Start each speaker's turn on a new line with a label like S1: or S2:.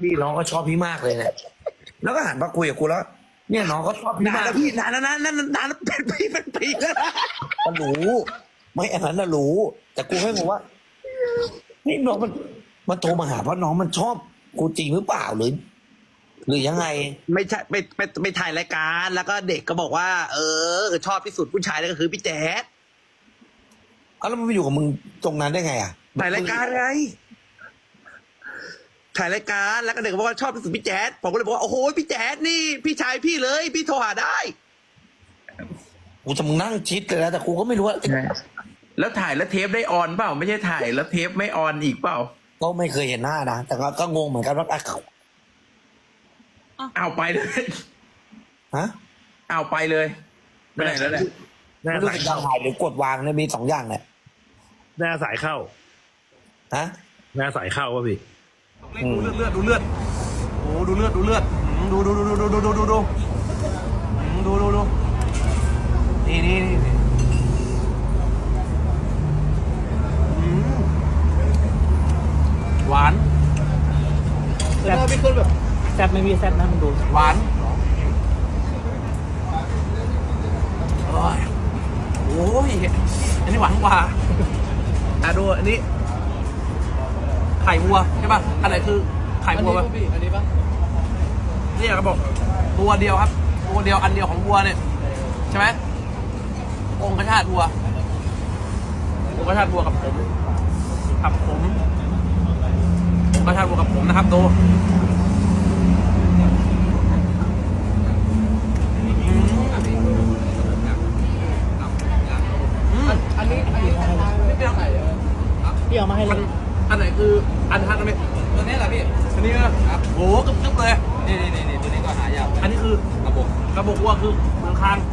S1: พี่น้องก็ชอบพี่มากเลยเนี่ยแล้วก็หันมาคุยกับกูแล้ว เนี่ยน้องก็ชอบพี่าก
S2: นานแล้วพี่นานแล้วนะนานแล้วเป็นปีแล้วนะ
S1: ก็รู้ไม่อันนั้นน่ะรู้ แต่กูแค่งงว่านี่น้องมันโทรมาหาเพราะน้องมันชอบกูจริงหรือเปล่าหรือยังไง
S2: ไม่ใช่ไปถ่ายรายการแล้วก็เด็กก็บอกว่า ชอบที่สุดผู้ชายนั่นก็คือพี่แจ๊ด
S1: เอาแล้วมันไปอยู่กับมึงตรงนั้นได้ไงอ่ะ
S2: ถ่ายรายการไงถ่ายรายการแล้วก็เด็กก็บอกว่าชอบที่สุดพี่แจ๊ดผมก็เลยบอกว่าโอ้โหพี่แจ๊ดนี่พี่ชายพี่เลยพี่โทรหาได้
S1: กูจะมึงนั่งชิดเลยนะแต่กูก็ไม่รู้ว่า
S3: แล้วถ่ายแล้วเทปได้ออนเปล่าไม่ใช่ถ่ายแล้วเทปไม่ออนอีกเปล่า
S1: ก็ไม่เคยเห็นหน้านะแต่ก็งงเหมือนกันว่าเขา
S3: เอาไปเลย
S1: ฮะ
S3: เอาไปเลยไปไหนแล้วเนี่ย
S4: หน้า
S1: ไม่รู้
S4: สาย
S1: สึกยัง
S4: เข้า
S1: ถ่ายหรือกดวางเนี่ยมีสองอย่างเนี่ย
S4: หน้าสายเข้า
S1: ฮะ
S4: หน้าสายเข้าป่ะพี่
S2: ดูเลือดโอ้ดูเลือดดูนี่หวาน
S5: แซ่บไม่คนแบบแซ่บไม่มีแซ่บนะมันดู
S2: หวานโอ้ยอันนี้หวานกว่าดูอันนี้ไข่วัวใช่ป่ะอันไหนคือไข่วัวป่ะ
S5: อันนี้ปะ
S2: นี่ก็บอกตัวเดียวครับตัวเดียวอันเดียวของวัวเนี่ยใช่ไหมองค์ชาติวัวองค์ชาติวัวกับผมองค์ชาติวัวกับผมนะครับดู
S5: อันนี้พี่เอามาให้เลย
S2: อันไหนคืออันทัดไหม
S5: ตัวนี้แหละพี่
S2: อันนี้นะครับโหกึ๊บเลย
S5: นี่ตัวนี้ก็หายาก
S2: อันนี้คือกระบอกวัวคือเมืองคาน